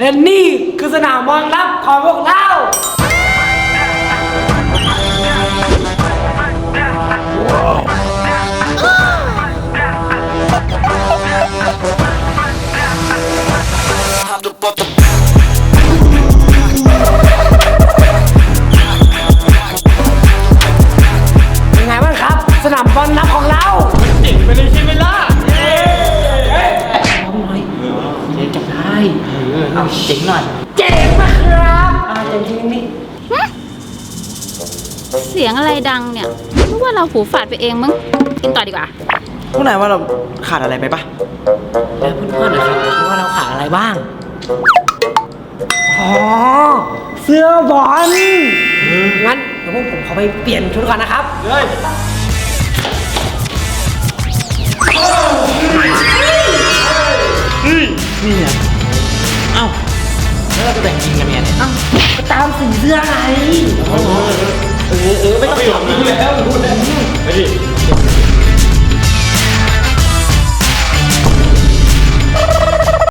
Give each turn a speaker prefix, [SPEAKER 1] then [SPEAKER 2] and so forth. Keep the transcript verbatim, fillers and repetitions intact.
[SPEAKER 1] และนี่คือสนามบอลลับของพวกเราเป็นไงบ้างครับสนามบอลลับของเราเจ๋งไปเลยใช่ไหมล่ะเย้ทำหน่อยเจ๊จับได้เอาเจ๋งหน่อยเจ๋งมากครับอ่าเจ๋งจริงนี่
[SPEAKER 2] เสียงอะไรดังเนี่ยรู้ว่าเราหูฝาดไปเองมั้งกินต่อดีกว่า
[SPEAKER 3] พวกนายว่าเราขาดอะไรไปปะ
[SPEAKER 1] แล้วเพื่อนๆนะครับคิดว่าเราขาดอะไรบ้างอ๋อเสื้อบอลงั้นเดี๋ยวพวกผมขอไปเปลี่ยนชุดก่อนนะครับเลยนี่ไงเอ้าแล้วเราจะแต่งยิงกันเนี่ยเอ้าก็ตามสีเสื้อไงเออเออไม่ต้องหยอกรู้แล้วรู้แล้วไปดิ